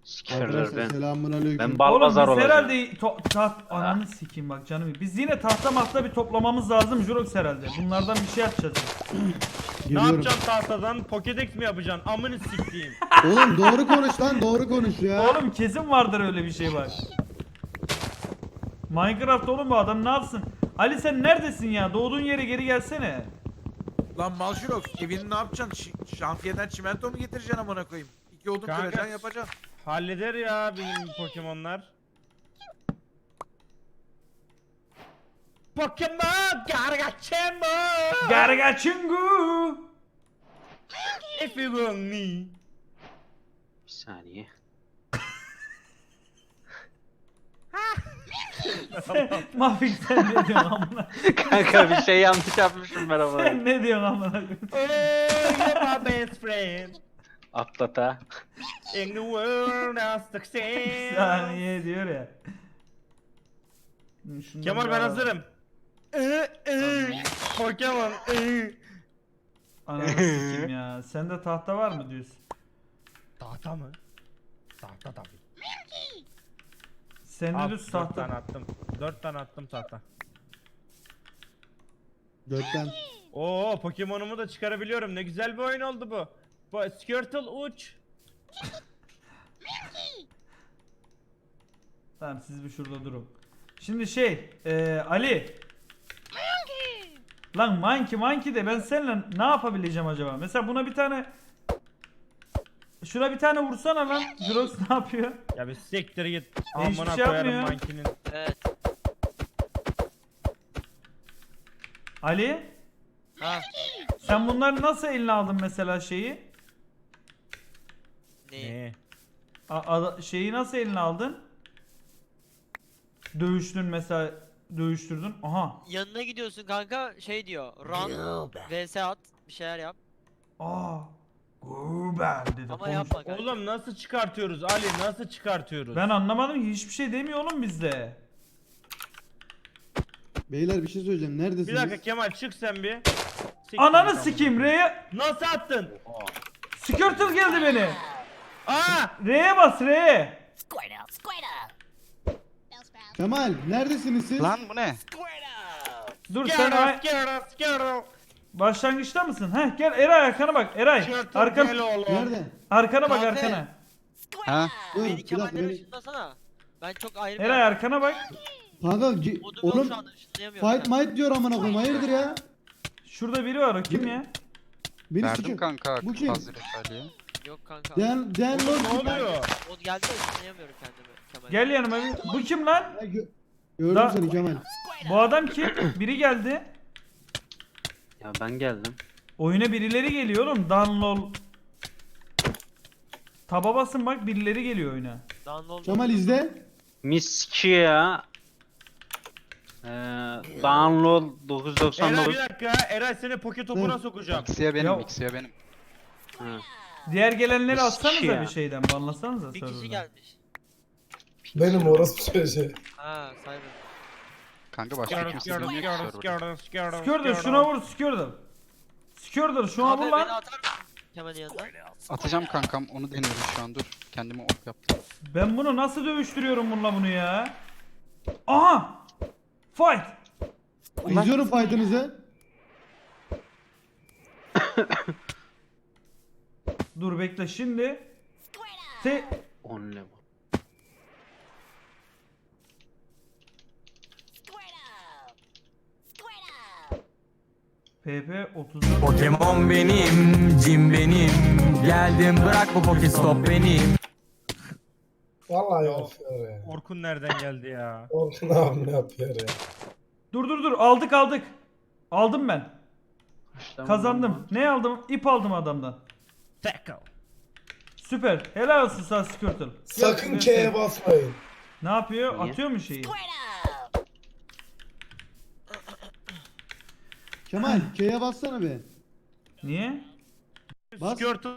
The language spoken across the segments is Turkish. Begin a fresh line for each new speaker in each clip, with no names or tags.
Sikerler
Arkadaşlar
ben.
selamünaleyküm.
Ben bal
Oğlum biz
pazar olacağım.
herhalde ananı sikeyim bak canım. Biz yine tahta mahta bir toplamamız lazım Jurox herhalde. Bunlardan bir şey yapacağız.
Ne
Geliyorum.
yapacaksın tahtadan? Pokedex mi yapacaksın? Amını siktiğim.
Oğlum doğru konuş lan, doğru konuş ya.
Oğlum kesin vardır öyle bir şey bak. Minecraft oğlum bu adam ne yapsın? Ali sen neredesin ya? Doğduğun yere geri gelsene.
Lan Malşirok evini ne yapacaksın? Şantiyeden çimento mu getireceksin amına koyayım? 2 odun
Kanka.
kıracaksın yapacaksın.
Halleder ya benim Pokemon'lar. Pokemon Gargachemon.
Gargachungu.
If you want me.
Bir saniye.
Mafik sen ne diyorsun amına?
Kanka bir şey yanlış yapmışım ben ama.
Sen ne diyorsun amına?
Oh, you're my best friend.
Atlata.
In the world of
Bir
success.
saniye diyor ya. Şundan
Kemal
bir
ben
alalım.
hazırım. Pokemon.
Ananı sikeyim ya. Sende tahta var mı diyorsun?
Tahta mı? Tahta tabii.
Sende düz
4
tahta.
tane attım. 4 tane attım tahta.
Gökten.
Oo Pokemon'umu da çıkarabiliyorum. Ne güzel bir oyun oldu bu. Bu Squirtle uç.
Tamam siz bir şurada durun. Şimdi Ali. Lan monkey de ben seninle ne yapabileceğim acaba? Mesela buna bir tane şuna bir tane vursana lan. Jurox ne yapıyor?
Ya bir siktir git.
Hiçbir
Amına
şey
koyarım
yapmıyor.
mankinin.
Evet.
Ali
Ha.
sen bunları nasıl eline aldın mesela şeyi?
Ne?
Ne?
Şeyi nasıl eline aldın? Dövüştün mesela dövüştürdün. Aha.
Yanına gidiyorsun kanka şey diyor. Run vs at bir şeyler yap.
Aa. Guber dedi.
Ama
konuş.
yapma kanka.
Oğlum nasıl çıkartıyoruz Ali? Nasıl çıkartıyoruz?
Ben anlamadım ki hiçbir şey demiyor oğlum bizde.
Beyler bir şey söyleyeceğim.
Bir
Neredesiniz?
dakika Kemal çık sen bir. Siktir
Ananı
git
sikeyim
amına.
R'ye.
Nasıl attın?
Skirtle geldi beni.
Aa!
R'ye bas R'ye.
Kemal neredesiniz siz?
Lan bu ne?
Dur sen
Squirtle.
başlangıçta mısın? Heh gel Eray arkana bak Eray.
Squirtle
Arkan
gel oğlum.
Nerede?
arkana bak
Kahve.
arkana.
Ha?
Dur
Beni
bir dakika
Kemal'den
beni.
ışınlasana. Ben çok ayrı bir
Eray arkana bak.
Kanka
Modum yok
oğlum
şu anda ışınlayamıyorum.
fight might diyor amına koyayım. Hayırdır ya?
Şurada biri var o kim ya?
Beni
Verdim
sıkıyor.
kanka
Bu kim?
Hazreti Ali'ye.
Yok kanka.
Dan
Oğlum
Lord.
ne oluyor?
O geldi de ışınlayamıyorum kendimi. Kemal.
Gel yanıma bir. Bu kim lan?
Ya gördüm
Da-
seni Kemal.
Bu adam kim? Biri geldi.
Ya ben geldim.
Oyuna birileri geliyor oğlum. Danlol. Taba basın bak birileri geliyor oyuna.
Download.
Kemal izle.
Miski ya. Download
Eray
999.
bir dakika. Eray seni poke topuna sokacağım.
X'ye benim,
Ya-
X'ye benim.
Ha.
Diğer gelenleri
Mis
atsanıza
ya.
bir şeyden. Banlasanıza
Bir kişi
serverdan.
gelmiş.
Benim orası çocuğu.
Ha Cyber.
Kanka başka kimse bilmiyor ki serverda.
Skirtle şuna vur Skirtle. Skirtle şuna vur
Abi beni
lan.
atar mısın Kemal'in yanına?
Atacağım kankam, onu deniyorum şu an, dur. Kendime ok yaptım.
Ben bunu nasıl dövüştürüyorum bununla bunu ya? Aha! Fight!
İzliyorum fight'ınızı.
Dur bekle şimdi.
10 level.
PP 34.
Pokemon benim, Jim benim. Geldim bırak bu Pokestop benim.
Vallahi yapıyor ya.
Orkun nereden geldi ya?
Orkun abi ne yapıyor ya?
Dur aldık. Aldım ben.
İşte
Kazandım. Ne aldım? İp aldım adamdan.
Tackle.
Süper. Helal olsun sana Skirtle.
Sakın
Gel,
K'ye
gel.
basmayın.
Ne yapıyor?
Niye?
Atıyor mu şeyi?
Kemal K'ye bassana be.
Niye?
Bas.
Squirtle.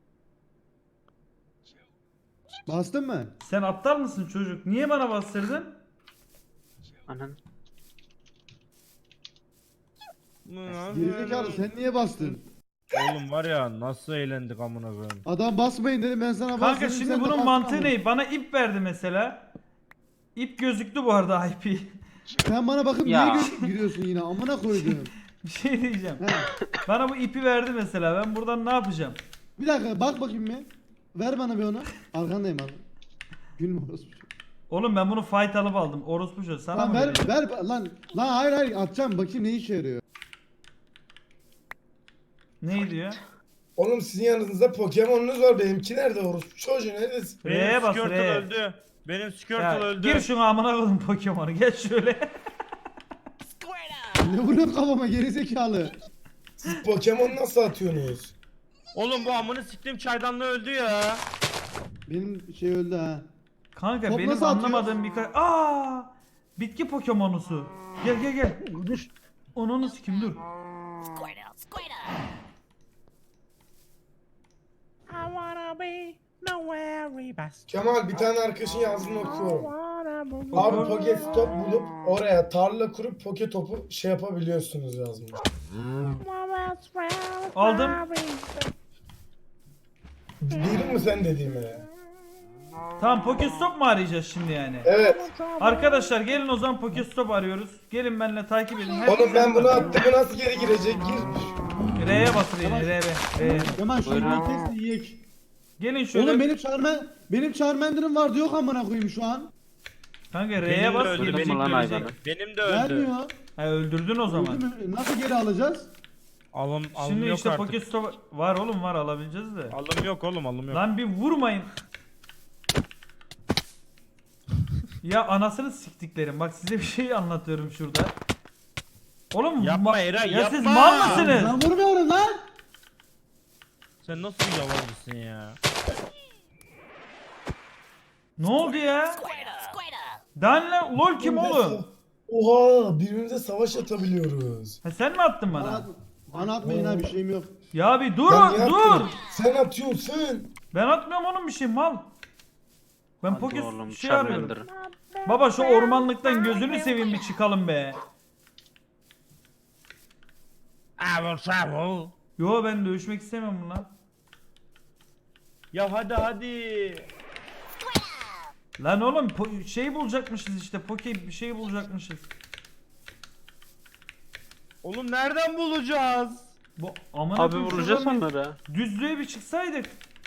Bastın mı?
Sen aptal mısın çocuk? Niye bana bastırdın?
Anan.
Gerizekalı sen niye bastın?
Oğlum var ya nasıl eğlendik amına koyayım.
Adam basmayın dedim ben sana bas
Kanka
dedim,
şimdi
sen de
bunun
bastın
mantığı
ama.
ne? Bana ip verdi mesela. İp gözüktü bu arada IP.
Sen bana bakıp
Ya.
niye giriyorsun yine amına koydum.
Bir şey diyeceğim.
He.
Bana bu ipi verdi mesela. Ben buradan ne yapacağım?
Bir dakika bak bakayım bir. Ver bana bir onu. Arkandayım abi. Gülme orospu.
Oğlum ben bunu fight alıp aldım. Orospu çocuğu sana
Lan
mı
ver
vereyim?
ver lan. Lan hayır atacağım bakayım ne işe yarıyor.
Ne diyor?
Oğlum sizin yanınızda Pokemon'unuz var. Benimki nerede orospu çocuğu neredesin?
R'ye
Benim
bas,
Squirtle
R'ye.
öldü. Benim Squirtle
Ya,
öldü.
gir şunu amına koydum Pokemon'u. Geç şöyle.
Ne vuruyorsun kafama gerizekalı.
Siz Pokemon nasıl atıyorsunuz?
Oğlum bu amını siktiğim çaydanlığı öldü ya.
Benim şey öldü ha.
Kanka
Top
benim
nasıl atıyor?
anlamadığım birkaç... Aa! Bitki Pokemon'usu. Gel gel gel. Dur. Onu sikim dur.
Kemal bir tane arkadaşın yazdığını okuyorum. Abi Pokestop bulup oraya tarla kurup Poketop'u şey yapabiliyorsunuz yazmış.
Aldım.
Duydun mu sen dediğimi?
Tamam Pokestop mu arayacağız şimdi yani?
Evet.
Arkadaşlar gelin o zaman Pokestop arıyoruz. Gelin benimle takip edin.
Oğlum ben bunu attım bu nasıl geri girecek? Gir.
R'ye bas R'ye.
Kemal şu
Buyurun.
yolu test yiyek.
Gelin şöyle.
Oğlum benim Charmander'ım vardı yok amına koyayım şu an.
Kanka
Benim
R'ye
de
bas
öldü,
ki
benim
beni
lan
görecek.
hayvanı.
Benim de öldü.
Vermiyor.
Ha öldürdün o zaman.
Öldü mü? Nasıl geri alacağız?
Alım
Şimdi
yok
işte
artık.
Pokestop var oğlum var alabileceğiz de.
Alım yok oğlum alım yok.
Lan bir vurmayın. Ya anasını siktiklerim. Bak size bir şey anlatıyorum şurada. Oğlum
Yapma Eray,
ya siz
yapma.
mal mısınız?
Ben vurmuyorum lan.
Sen nasıl bir yalancısın ya?
Ne oldu ya? Danle lol kim oğlum?
Oha birbirimize savaş atabiliyoruz.
Ha, sen mi attın bana?
Bana atmayın ha bir şeyim yok.
Ya bir dur
Ya niye
dur.
atıyorsun? Sen atıyorsun.
Ben atmıyorum oğlum bir şey mal. Ben
Hadi
Poket
oğlum,
şey arıyorum.
Charmander.
Baba şu ormanlıktan gözünü seveyim bir çıkalım be.
I will travel.
Yo ben dövüşmek istemiyorum bununla.
Ya hadi.
Lan oğlum şey bulacakmışız işte bir şey bulacakmışız.
Oğlum nereden bulacağız?
Bu aman
Abi vuracağız onları.
Düzlüğe bir çıksaydık.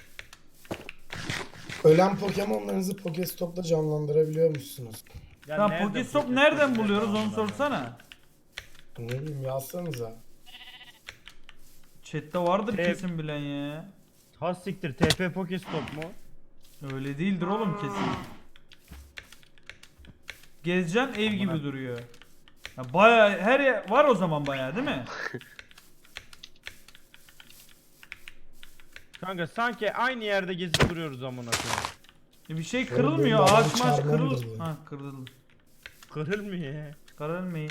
Ölen Pokemon'larınızı Pokestop'ta canlandırabiliyormuşsunuz.
Ya
Tamam
nereden
Pokestop
bulacağız?
nereden buluyoruz onu sorsana.
Ne bileyim yazsanıza.
Chat'te vardır
Evet.
kesin bilen ya.
Ha siktir TP Pokestop mu?
Öyle değildir oğlum kesin. Gezeceksin ev gibi
Amına-
duruyor. Ya baya her yer var o zaman baya değil mi?
Kanka sanki aynı yerde gezip duruyoruz amına koyayım.
Bir şey
Oğlum
kırılmıyor.
benim
Ağaç
babam
maç
Charmander
kırıl.
bu.
Ha kırıldı.
Kırılmıyor.
Kırılmayın.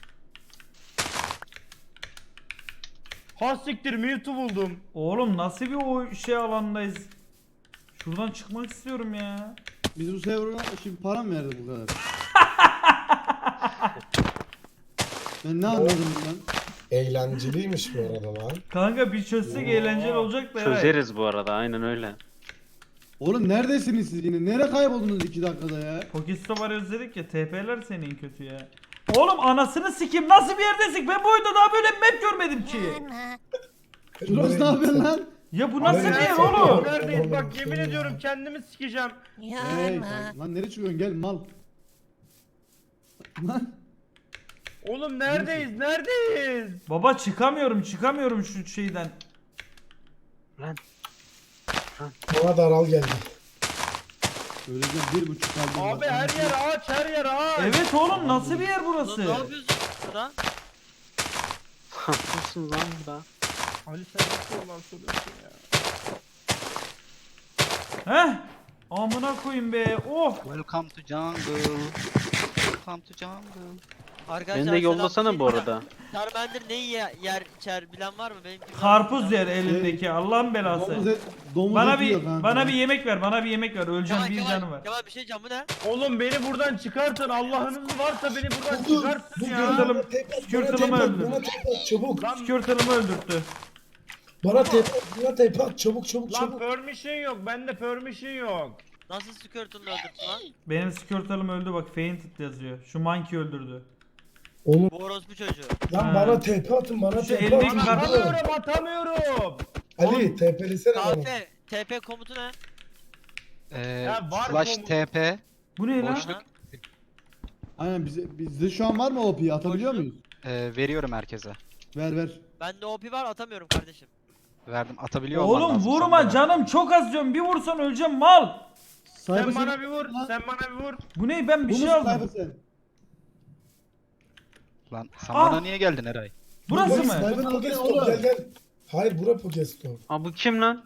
Ha siktir Mewtwo buldum.
Oğlum nasıl bir o şey alandayız? Şuradan çıkmak istiyorum ya.
Biz bu server'a şimdi para mı verdik bu kadar? Ben ne anladım bundan?
Eğlenceliymiş bu arada lan.
Kanka bir çözsek eğlenceli olacak da Eray.
Çözeriz bu arada aynen öyle.
Oğlum neredesiniz siz yine? Nereye kayboldunuz 2 dakikada ya?
Pokestop arıyoruz dedik ya TP'ler senin kötü ya. Oğlum anasını sikim nasıl bir yerdesin? Ben bu oyunda daha böyle bir map görmedim ki.
Şurası ne yapıyorsun lan?
Ya bu nasıl bir yer
Nereye
oğlum?
Neredeyiz bak yemin ediyorum kendimi sikeceğim.
Hey, lan nereye çıkıyorsun gel mal. Lan
Oğlum neredeyiz?
Baba çıkamıyorum şu şeyden.
Bana daral geldi.
öleceğim 1,5 kaldım.
Abi her yer ağaç.
Evet oğlum nasıl bir yer
Lan
burası?
ne yapıyorsun burada?
Haklısın lan da.
Ali sen nasıl olan soruyorsun ya?
Heh. Amına koyayım be. Oh.
Welcome to jungle. Welcome to jungle.
Arkadaşlar
Beni de yollasana bu arada.
Charmander neyi yer içer bilen var mı? Benimki
Karpuz yer elindeki Allah'ın belası.
Domuz
Bana
eti yiyor
bir
kanka.
bana bir yemek ver. Öleceğim bir canı var.
Kemal bir şey diyeceğim bu ne?
Oğlum beni buradan çıkartın Allah'ınız varsa beni buradan
Dur,
çıkartın
dur,
ya.
Skirtle'ım-
bana tek at,
Skirtle'ımı
bana tek at,
öldür.
bana tek at, çabuk.
Lan
Skirtle'ımı öldürttü.
Bana tepe at çabuk çabuk
Lan
çabuk.
permission yok. Bende permission yok.
Nasıl Squirtle'ını öldürdün lan?
Benim Squirtle'ım öldü bak, fainted yazıyor. Şu monkey öldürdü.
Oğlum
Bu orospu çocuğu.
lan
Ha.
bana TP atın bana
Şu
TP
eldeki
atın.
kart-
Atamıyorum.
Ali TP'lisene bana.
Kafe. TP komutu ne?
Ya var
Slash
bu-
TP.
Bu ne lan?
Boşluk.
Aynen bizde şu an var mı OP'yi atabiliyor muyuz?
Veriyorum herkese.
Ver.
Bende OP var, atamıyorum kardeşim.
Verdim. Atabiliyor olman
Oğlum
lazım
vurma
sende.
canım, çok az diyorum. Bir vursan öleceğim mal.
Cyber
Sen bana bir vur. Sen bana bir vur.
Bu ne, ben bir
Bu
şey
musun
aldım.
Cyber sen?
Lan sen
Ah!
bana niye geldin Eray?
Burası
Bu
mı?
Cyber
Bu
oğlum.
Pokestop gel gel. Hayır bura Pokestop.
Aa bu kim lan?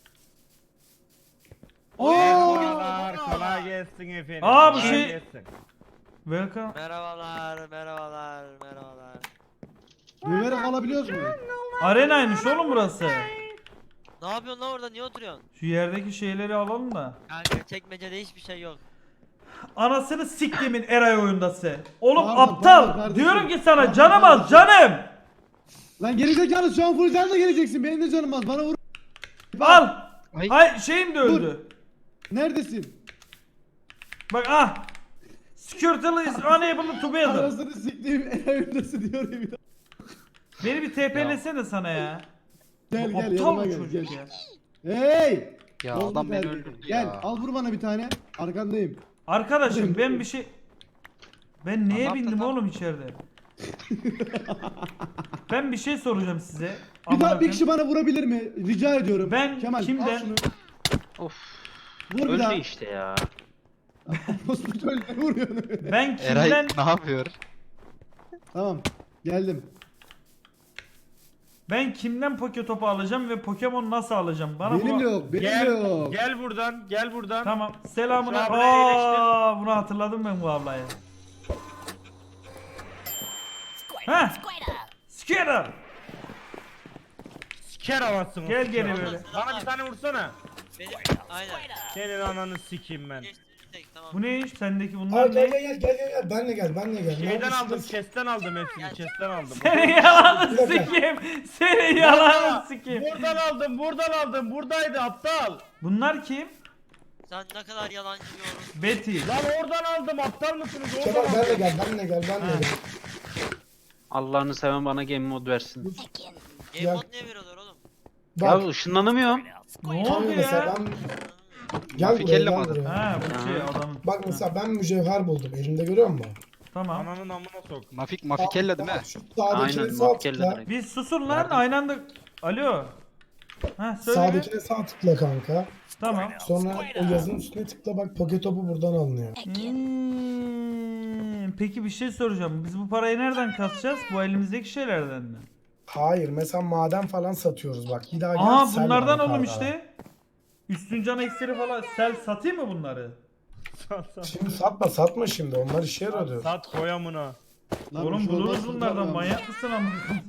Merhabalar. Kolay gelsin efendim.
Aa, bu
kolay
şey-
gelsin.
Welcome.
Merhabalar.
Müverek alabiliyoruz mu?
Arenaymış oğlum burası.
Ne yapıyorsun lan orada, niye oturuyorsun?
Şu yerdeki şeyleri alalım da.
Kanka çekmecede hiçbir şey yok.
Anasını siktimin Eray oyundası. Oğlum
Pardon,
aptal.
pardon kardeşim.
Diyorum ki sana
Pardon
canım az canım.
Lan gerizekalı şu an full canla geleceksin. Benim de canım az. Bana vur.
Al.
Ay.
Hay şeyim de öldü.
Neredesin?
Bak ah. Squirtle is unable to battle.
Arasını siktiğim evimdesi diyor bir daha.
Beni bir TP'lesene sana ya.
Gel
Bu aptal
yanıma
bu
gel.
çocuk
Gel.
ya.
Hey!
Ya
Bozdu
adam beni
terbiyeyi.
öldürdü
Gel
ya.
al vur bana bir tane. Arkandayım.
Arkadaşım ben bir şey... Ben neye
Tamam,
bindim
tamam.
oğlum içeride? Ben bir şey soracağım size.
Bir
Amına
daha bir
koyayım.
kişi bana vurabilir mi? Rica ediyorum.
Ben
Kemal,
kimden-
al şunu.
Of.
Vur bir daha.
Öldü işte ya.
Hospital vuruyor.
Ben
Eray
kimden...
ne yapıyor?
Tamam. Geldim.
Ben kimden Poke topu alacağım ve Pokemon nasıl alacağım? Bana
Benim de
bu...
yok. Benim de
Gel.
yok.
Gel buradan. Gel buradan.
Tamam. Selamun
Şu
aleyküm.
ablayı iyileştir.
Aa, bunu hatırladım ben bu ablayı. Heh. Skitter.
Siker havasını.
Gel
siker.
geri böyle.
Bana bir tane vursana.
Benim aynen.
Senin ananı sikeyim ben.
Geçtirecek tamam.
Bu ne iş? Sendeki
Aa
bunlar
gel
ne?
gel gel benle gel.
Şeyden
Neredesin?
aldım, chest'ten aldım hepsini, chest'ten aldım.
Senin yalanı
Bir dakika.
sikeyim. Senin yalanı sikeyim.
Buradan aldım, buradaydı aptal.
Bunlar kim?
Sen ne kadar yalancı bir orospu.
Betty.
Lan oradan aldım, aptal mısınız?
Kemal
Oradan
benle
aldım.
gel benle gel benle gel.
Allah'ını seven bana game mod versin.
Game mod niye veriyorlar oğlum?
Bak
Ya ışınlanamıyorum.
Ne
tam
oldu
mesela
ya?
ben gel
Mafikelle
buraya
mi
gel
adın?
buraya.
Ha bu şey adamın.
Bak mesela ben mücevher buldum. Elimde görüyor musun?
Tamam.
Ananın amına sok.
Mafikella değil mi?
Şu sağdakine
Aynen
sağ
matkelle
tıkla.
direkt.
Bir susun lan aynı anda. Alo. Ha söyle bir.
Sağdakine sağ tıkla kanka.
Tamam.
Sonra o yazının üstüne tıkla bak Poketopu buradan alınıyor.
Peki bir şey soracağım. Biz bu parayı nereden kasacağız? Bu elimizdeki şeylerden mi?
Hayır mesela maden falan satıyoruz bak. Bir daha gel.
Aa
sel
bunlardan
bana
oğlum
kanka.
işte. Üstün can ekseri falan. Sel satayım mı bunları?
Şimdi satma şimdi onlar işe yarıyor.
Sat koy amına.
Lan
Oğlum
bir şey olmaz,
buluruz bunlardan,
kurtarmam.
manyak mısın amına?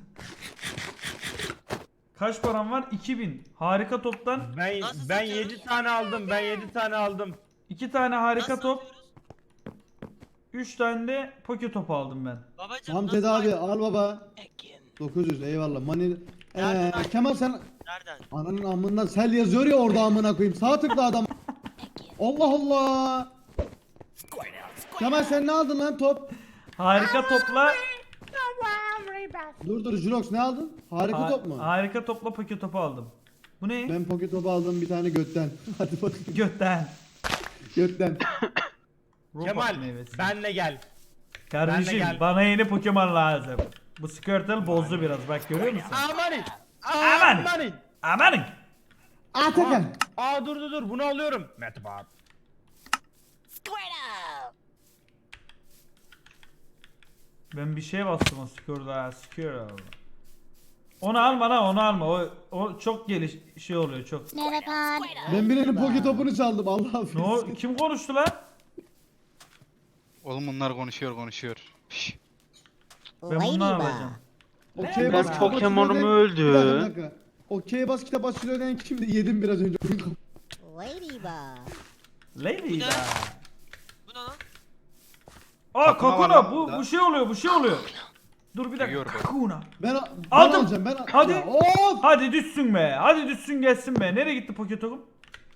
Kaç param var? 2000. Harika toptan
Nasıl
Ben
satıyoruz?
7 tane aldım. Ben 7 tane aldım.
2 tane harika
Nasıl
top,
atıyoruz?
3 tane de poke topu aldım ben.
Babacım
Hamdi
nasıl
abi
aynı-
al baba. 900 eyvallah. Mani
Nereden
Kemal sen
Nereden?
ananın amından sel yazıyor ya orada amına koyayım. Sağ tıkla adam. Allah Allah. Kemal sen ne aldın lan top?
Harika topla
Dur Jurox ne aldın? Harika top mu?
harika topla poke topu aldım. Bu ne?
Ben pocket topu aldım bir tane götten. Hadi bakayım
Götten.
götten.
Robot
Kemal
meyvesi.
benle gel.
Kardeşim
benle gel.
bana yeni Pokemon lazım. Bu Squirtle bozdu biraz, bak görüyor musun?
Amanin.
Amanin.
Amanin.
Amanın.
Atakan.
Aa dur bunu alıyorum. Metbart.
Ben bir şeye bastım o Squirtle. Onu alma lan, onu alma. O çok şey oluyor çok.
Ben birinin pocket topunu çaldım Allah
Ne
affetsin.
o, kim konuştu lan?
Oğlum bunlar konuşuyor. Şş.
Ben bunu alacağım.
Okey
Ben
bas kitap
Pokemon'um
açılıyor
öldü.
diyen- Bir dakika. Okey bas kitap açılıyor diyen kimdi? Yedim biraz önce.
Lady da.
Bu ne lan?
Aa
Takıma var
Kakuna
lan
bu
burada.
bu şey oluyor. Dur bir dakika.
Duyuyor beni.
Kakuna.
Ben
Aldım.
alacağım ben.
Hadi.
Ya, of!
Hadi düşsün be. Hadi düşsün gelsin be. Nereye gitti Poketokum?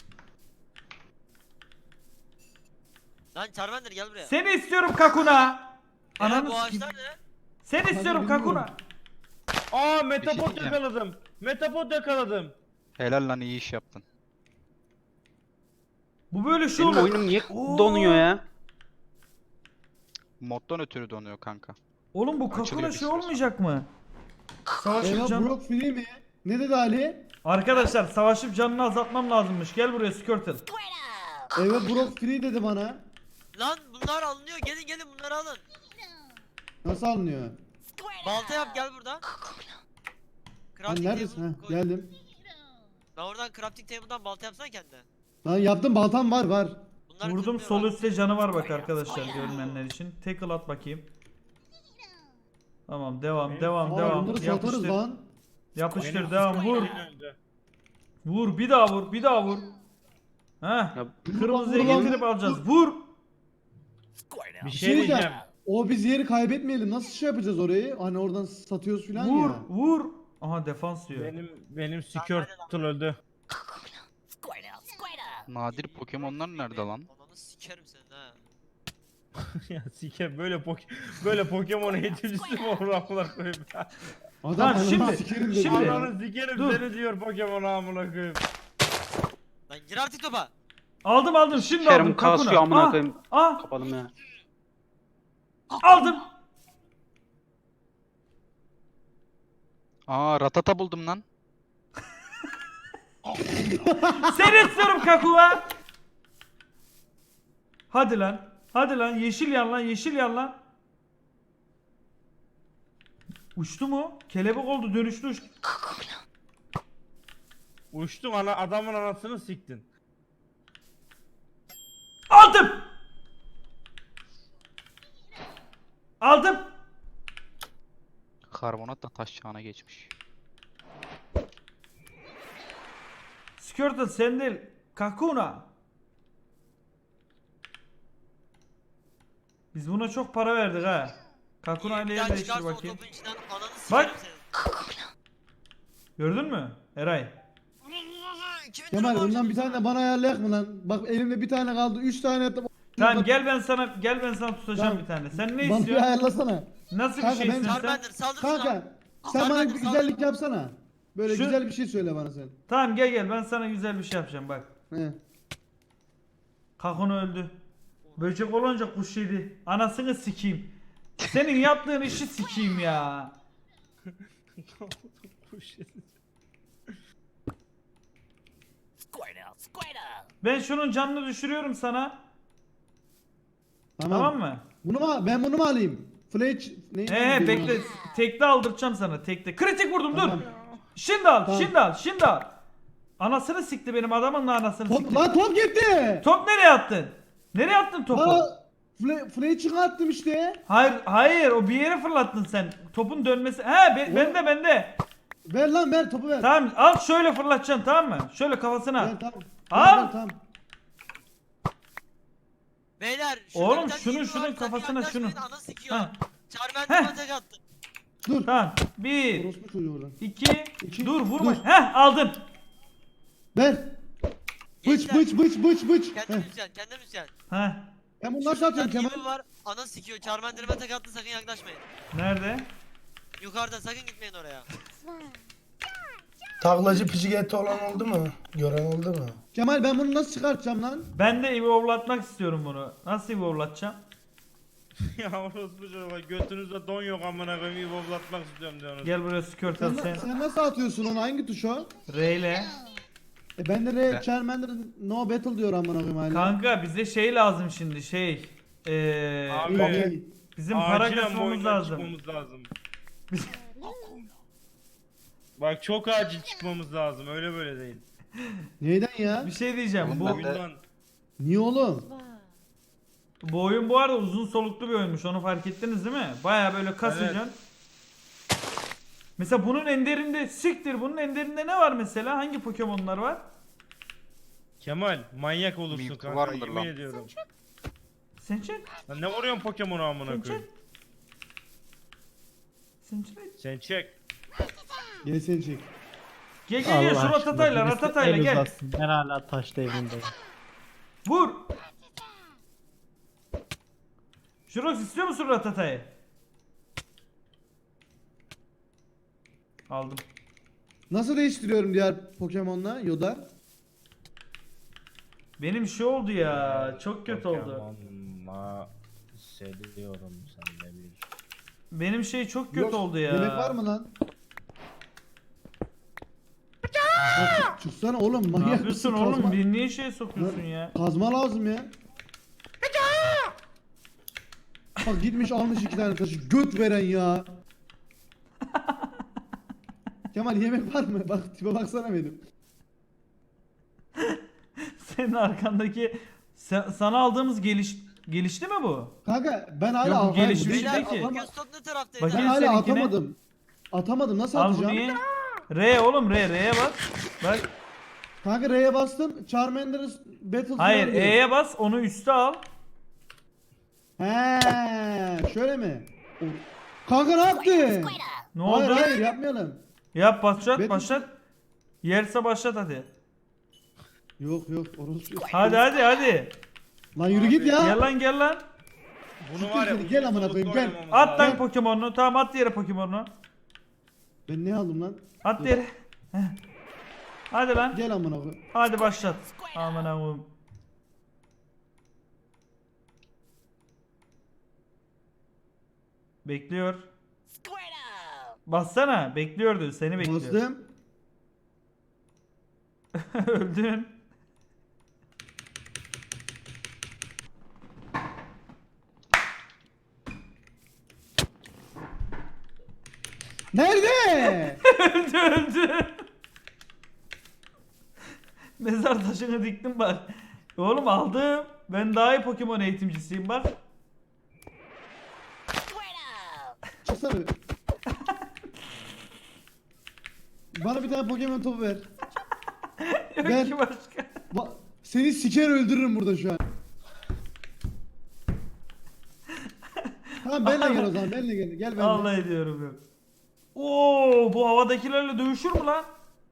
Lan Charmander gel buraya.
Seni istiyorum Kakuna.
Beyler,
Ananı
bu
sikeyim.
ağaçlar ne?
Seni istiyorum
bilmiyorum.
Kakuna.
Aa
Bir
Metapod
şey diyeceğim.
yakaladım. Metapod yakaladım.
Helal lan iyi iş yaptın.
Bu böyle şey
Benim
oluyor.
oyunum niye
Oo.
donuyor ya?
Moddan ötürü donuyor kanka.
Oğlum bu Kakuna
Açılıyor bir
şey
süre sonra.
olmayacak mı? Savaşıp
Eyvah
can...
Brock free mi? Ne dedi Ali?
Arkadaşlar savaşıp canını azaltmam lazımmış. Gel buraya Squirtle.
Eyvah Brock free dedi bana.
Lan bunlar alınıyor. Gelin gelin bunları alın.
Nasıl alınıyor?
Balta yap gel burada.
Lan
Crafting
neredesin?
table
Ha,
koy.
geldim.
Ben oradan crafting table'dan balta yapsana kendine.
Lan yaptım baltam var.
Bunlar
Vurdum
kırılıyor
sol
bak.
üstte canı var bak arkadaşlar görmeyenler için. Tackle at bakayım. Tamam devam
Benim-
devam
Aa,
devam.
bunları satarız
Yapıştır.
lan.
Yapıştır
Benim
devam vur.
önce.
Vur bir daha vur bir daha vur. Heh.
Ya,
Kırmızıya
vur lan.
getirip alacağız. Vur.
Bir
Şey
şey diyeceğim.
O biz yeri kaybetmeyelim. Nasıl şey yapacağız orayı? Hani oradan satıyoruz filan
Vur.
ya.
Vur. Aha defans diyor.
Benim Squirtle öldü.
Nadir Pokemon'lar nerede lan?
Ananı sikerim senin ha.
Ya siker böyle Pokemon eğitimcisi mi olur amına koyayım ya.
Adam
Tamam,
ananı
şimdi-
sikerim dedi
şimdi-
ya.
Ananı sikerim
Dur.
seni diyor Pokemon amına koyayım.
Lan gir artık topa.
Aldım şimdi
Kerim
aldım
kasıyor
Kakuna.
amına
Ah,
koyayım.
ah,
Kapadım ya.
aldım.
Aa Ratata buldum lan.
Seni istiyorum Kakua. Hadi lan. Hadi lan yeşil yan lan yeşil yan lan. Uçtu mu? Kelebek oldu dönüştü uçtu.
Uçtun adamın anasını siktin.
Aldım. Aldım.
Karbonat da taş çağına geçmiş.
Squirtle sen değil. Kakuna. Biz buna çok para verdik ha. Kakuna ile
Bir daha
yer değiştir
çıkarsa o
bakayım.
topun içinden ananı
Bak.
sikerim senin.
Gördün mü? Eray.
2000
Kemal
lira
ondan bir
borcum
tane bana ayarlayak mı lan? Bak elimde bir tane kaldı. 3 tane yaptım.
Tamam gel ben sana tutacağım
Tamam.
bir tane. Sen ne
Bana bir
istiyorsun?
ayarlasana.
Nasıl bir
Kanka,
şey
ben-
istiyorsun sen?
Charmander saldır şuna.
Kanka sen bana
Charmander
bir
saldır.
güzellik yapsana. Böyle
Şu-
güzel bir şey söyle bana sen.
Tamam gel ben sana güzel bir şey yapacağım bak.
He.
Kakun öldü. Böcek olunca kuş yedi. Anasını sikeyim. Senin yaptığın işi sikeyim ya. Ben şunun canını düşürüyorum sana. Tamam mı?
Ben bunu mu alayım? Fletch ne?
Bekle. Tekte aldıracağım sana tekte. Kritik vurdum
Tamam.
dur. Şimdi al,
Tamam.
şimdi al. Anasını sikti benim adamın da anasını
Top,
sikti.
lan top gitti.
Top nereye attın? Nereye attın topu?
Fletch'i attım işte.
Hayır o bir yere fırlattın sen. Topun dönmesi. Bende.
Ver topu ver.
Tamam al şöyle fırlatacaksın tamam mı? Şöyle kafasına.
Ver, tamam.
Al.
Ver, tamam.
Beyler şurada
Oğlum,
bir tane
şunun-
ip var,
şunun
sakın
kafasına
yaklaşmayın,
şunu.
Ana sikiyor.
Ha.
Charmander'ıma tek attı.
Dur.
Tamam. 1
Orospu çocuğu oradan.
2
İki,
dur vurma.
dur.
Aldın.
Ver. Bıç
Gençler,
bıç.
Kendim müzisyen, kendim müzisyen.
Heh.
Ben bunu nasıl atıyorum
Şurada
Kemal?
ip var. Ana sikiyor. Charmander'ıma tek attı, sakın yaklaşmayın.
Nerede?
Yukarıda sakın gitmeyin oraya.
Taklacı Pidgeot'e olan oldu mu? Gören oldu mu?
Kemal ben bunu nasıl çıkartacağım lan?
Ben de evolve'latmak istiyorum bunu. Nasıl evolve'latacağım?
Ya orospu çocuğa götünüzde don yok amına koyayım boblatmak istiyorum diyorsunuz.
Gel buraya Squirtle sen.
Sen nasıl atıyorsun onu? Hangi tuş o?
R ile.
Ben de Charmander no battle diyor amına koyayım hala.
Kanka bize şey lazım şimdi
Abi,
İyi.
bizim para
acilen bu
kasmamız
oyundan
lazım.
çıkmamız lazım. Bak çok acil çıkmamız lazım öyle böyle değil.
Neyden ya?
Bir şey diyeceğim.
Oğlum
Bu
ben de-
Oyundan.
Niye oğlum?
oyun bu arada uzun soluklu bir oyunmuş. Onu fark ettiniz değil mi? Baya böyle kasıcaksın. Mesela bunun enderinde bunun enderinde ne var mesela? Hangi Pokemon'lar var?
Kemal manyak olursun
Mewtwo
kanka
var mıdır
yemin
lan?
ediyorum.
Sen çek.
Lan ne vuruyorsun Pokemon'a amına
Sen
koyayım?
çek.
Sen çek.
Gel seni çek.
Gel gel gel şu ratatayla gel.
Ben hala taş devrindeyim.
Vur. Şurox istiyor musun ratatayı? Aldım.
Nasıl değiştiriyorum diğer Pokemon'la Yoda?
Benim şey oldu ya. Çok kötü oldu.
Pokemon'la seviyorum sen de bir.
Benim şey çok kötü
Yok,
oldu ya.
Yemek var mı lan? Ya çıksana oğlum
Ne
manyak
yapıyorsun
mısın?
oğlum?
Kazma,
Bir niye şey sokuyorsun ya?
kazma lazım ya. Bak gitmiş almış 2 tane taşı göt veren ya. Kemal yemek var mı? Bak tipe baksana benim.
Senin arkandaki sana aldığımız gelişti mi bu?
Kanka ben hala
Yok, bu
hayır,
gelişmiş
değil,
değil
ben
ki.
atama-
Pokestop ne taraftaydı?
Bakın.
Ben
Gel
hala
seninkine.
atamadım. Atamadım nasıl
Al bu
atacağım?
niye? R oğlum R'ye bas. Bak.
Kanka R'ye bastım. Charmander's Battle
Hayır
falan diyor.
E'ye bas onu üste al.
He, şöyle mi? Kanka ne yaptın?
Ne
Hayır
oldu?
hayır yapmayalım.
Yap başlat
Betül-
başlat. Yerse başlat hadi.
Yok yok orası yok.
Hadi.
Lan yürü git ya.
Gel lan gel lan.
Bunu var ya
Gel, gel
uzun
amına koyayım,
soluklu
gel.
oynamamız
At
lazım.
lan Pokemon'unu. Tamam at yere Pokemon'unu.
Ben ne aldım lan?
At yere. Heh. Hadi lan.
Gel amına koyayım.
Hadi başlat. Aman Allah'ım. Bekliyor. Bassana. Bekliyordu. Seni bekliyor.
Bastım.
Öldün.
Nerede?
öldü. Mezar taşını diktim bak. Oğlum aldım. Ben daha iyi Pokemon eğitimcisiyim bak.
Çıksana. Bana bir tane Pokemon topu ver.
Yok
Ver.
ki başka.
Seni siker öldürürüm burada şu an. Tamam benle gel o zaman benle gel. Gel benle.
Allah ediyorum yok. Oo bu havadakilerle dövüşür mü lan?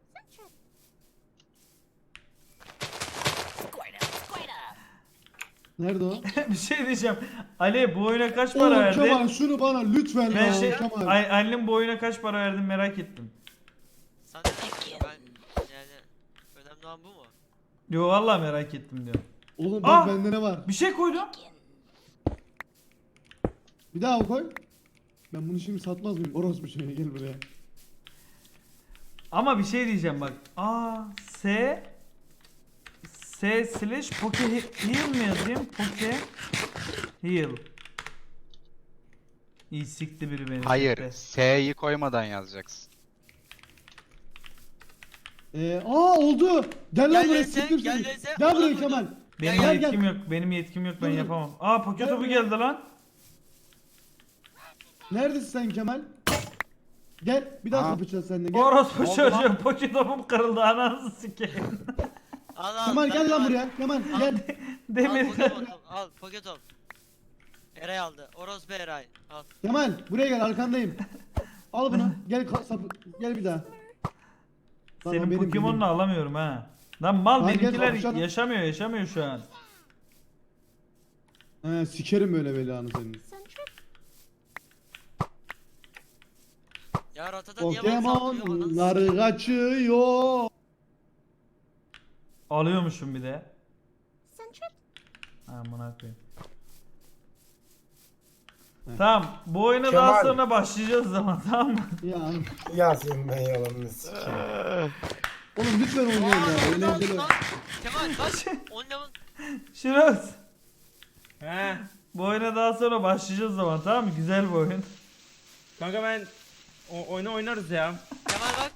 Nerede o?
Bir şey diyeceğim. Ali bu oyuna kaç para
Oğlum
verdin?
Kemal şunu bana lütfen
Ben
ya
şey
Kemal.
Ali'nin bu oyuna kaç para verdin merak ettim.
Sen de ben yani önemli olan bu mu?
Yo vallahi merak ettim diyor.
Oğlum bak
Ah!
bende ne var?
Bir şey koydum.
Bir daha koy. Ben bunu şimdi satmaz mıyım? Orospu şeye gel buraya.
Ama bir şey diyeceğim bak. S / Poke Heal mi yazayım? Poke Heal. İyi sikti biri beni.
Hayır.
sikti.
S'yi koymadan yazacaksın.
Oldu. Gel lan
Gel
buraya
VS,
siktir
gel
seni.
VS,
Gel
ona
buraya
vurdum.
Kemal.
Benim
Gel,
yetkim
gel.
yok. Benim yetkim yok. Ben
Dur.
yapamam. Poke
Gel
topu
buraya.
geldi lan.
Neredesin sen Kemal? Gel bir daha
Aa.
kapışacağız seninle gel.
Orospu çocuğu. Poke topum kırıldı. Ananı sikeyim.
Al
Kemal gel lan
al.
buraya. Kemal gel.
Al
Demir.
Pokemon top, al Poketop. Eray aldı. Orospu Eray. Al.
Kemal buraya gel arkandayım. Al bunu. Gel gel bir daha. Lan o
Senin
benim,
Pokemon'unu
benim.
alamıyorum ha. Lan mal
Lan gel
benimkiler
kapışalım.
yaşamıyor şu an.
He sikerim böyle belanı senin.
Ya Ratata niye bana saldırıyor? Ananı
Pokemon'lar kaçıyor.
Alıyormuşum bir de. Amına koyayım. Tamam, bu oyuna daha
Kemal.
sonra başlayacağız zaman tamam mı?
Ya
Ya senin ben yalanını sikeyim.
oğlum lütfen oynayalım ya.
Aa,
Eğlenceli.
lan. Kemal bak. 10 level.
Şiroz.
He.
Bu oyuna daha sonra başlayacağız zaman tamam mı? Güzel bir oyun.
Kanka ben oyunu oynarız ya.
Kemal bak.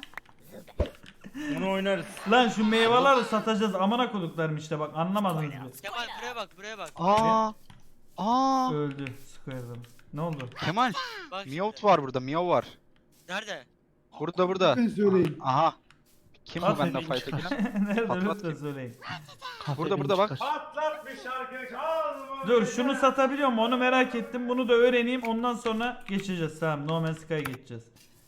Onu oynarız.
Lan şu meyveleri satacağız amına koduklarım işte bak anlamadınız mı?
Kemal buraya bak.
Aa.
Öldü Square'ım. Ne oldu?
Kemal.
Bak
Meowth
şimdi.
var burada. Meow var.
Nerede?
Burada.
Ben söyleyeyim.
Aha. Kim
At
bu benimle
dediğin
fight'a giren?
Nerede
Patlat
lütfen
kim?
söyleyin.
Burada bak.
Patlat bir şarkı çal mı?
Dur şunu satabiliyor mu onu merak ettim. Bunu da öğreneyim ondan sonra geçeceğiz. Tamam No Man's Sky'a geçeceğiz.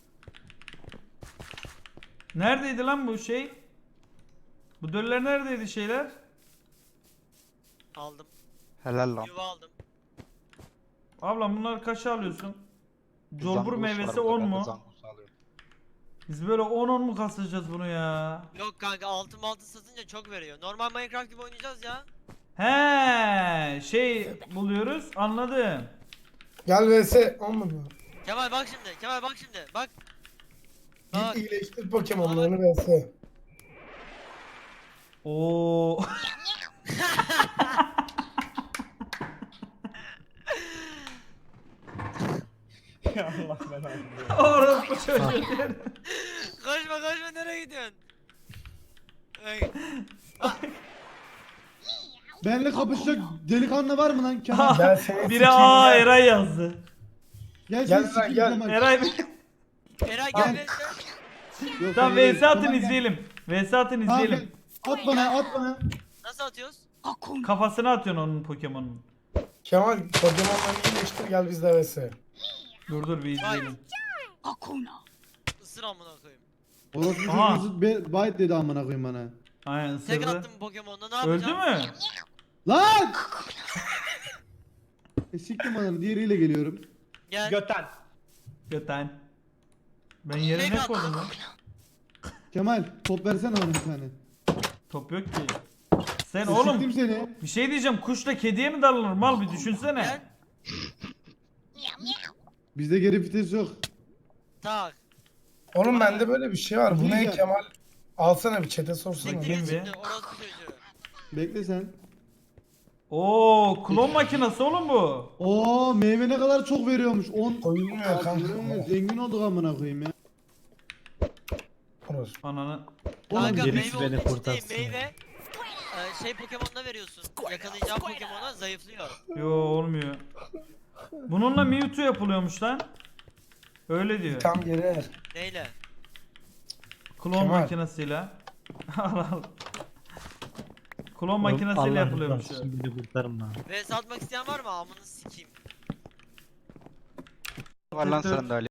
Neredeydi lan bu şey? Bu döller neredeydi şeyler?
Aldım.
Helal lan.
Yuva aldım.
Ablam bunları kaça alıyorsun? Colbur
Zangus var
meyvesi
burada,
10
ben de
mu?
zangus alıyorum.
Biz böyle 10 mu kasacağız bunu ya?
Yok kanka altın satınca çok veriyor. Normal Minecraft gibi oynayacağız ya.
He, şey buluyoruz. Anladım.
Gel vs olmadı mı?
Kemal bak şimdi. Kemal bak şimdi. Bak.
Git
Bak.
iyileştir Pokemon'larını vs.
Oo.
Ya Allah belanı.
Orası çocuğu.
Koşma nereye gidiyorsun? Ay.
Benimle kapışacak delikanlı var mı lan Kemal?
Gel seni
Biri
sikeyim
aa
gel.
Eray yazdı.
Gel
Gel
seni
lan,
sikeyim
gel.
Kemal.
Eray
Eray gel
Gel.
vs.
Yok,
Tamam
hayır,
VS atın
Kemal gel.
izleyelim. VS atın
Tamam,
izleyelim.
gel. At bana.
Nasıl atıyoruz?
Kafasına atıyorsun onun Pokemon'un.
Kemal Pokemon'larını iyileştir gel biz de vs.
Dur bir izleyelim.
Isır amına koyayım.
Orospu
Aha.
çocuğunuzu byte dedi amına koyayım bana.
Aynen
Tek
ısırdı.
attım Pokemon'da ne
Öldü
yapacağım?
mü?
Lan! Siktim ananı diğeriyle geliyorum.
Gel.
Göten.
Göten. Ben yere ne koydum lan?
Kemal top versene bana bir tane.
Top yok ki. Sen
Siktim
oğlum
seni.
bir şey diyeceğim kuşla kediye mi darlanır mal bir düşünsene.
Gel.
Bizde geri vites yok.
Tak.
Oğlum bende böyle bir şey var. Bu ne
Diyeceğim.
Kemal? Alsana bir chat'e sorsana.
Siktir
Kim
git
be?
şimdi orospu çocuğu.
Bekle sen.
Oo klon makinesi oğlum bu.
Oo meyve ne kadar çok veriyormuş. 10
Koyulmuyor kanka.
Zengin olduk amına koyayım ya.
Orası.
Ananı.
Kanka
gerisi
meyve
beni
olduğu için
kurtarsın
değil, meyve şey Pokemon'da veriyorsun. Yakalayacağın Pokemon'a zayıflıyor.
Yo olmuyor. Bununla Mewtwo yapılıyormuş lan. Öyle diyor.
Tam geri ver.
Neyle?
Klon
Kemal.
makinesiyle. Al al. Klon makinesiyle yapılıyormuş. o.
Beni kurtarın lan.
Ve satmak isteyen var mı? Amını sikeyim.
Var lan sende Ali.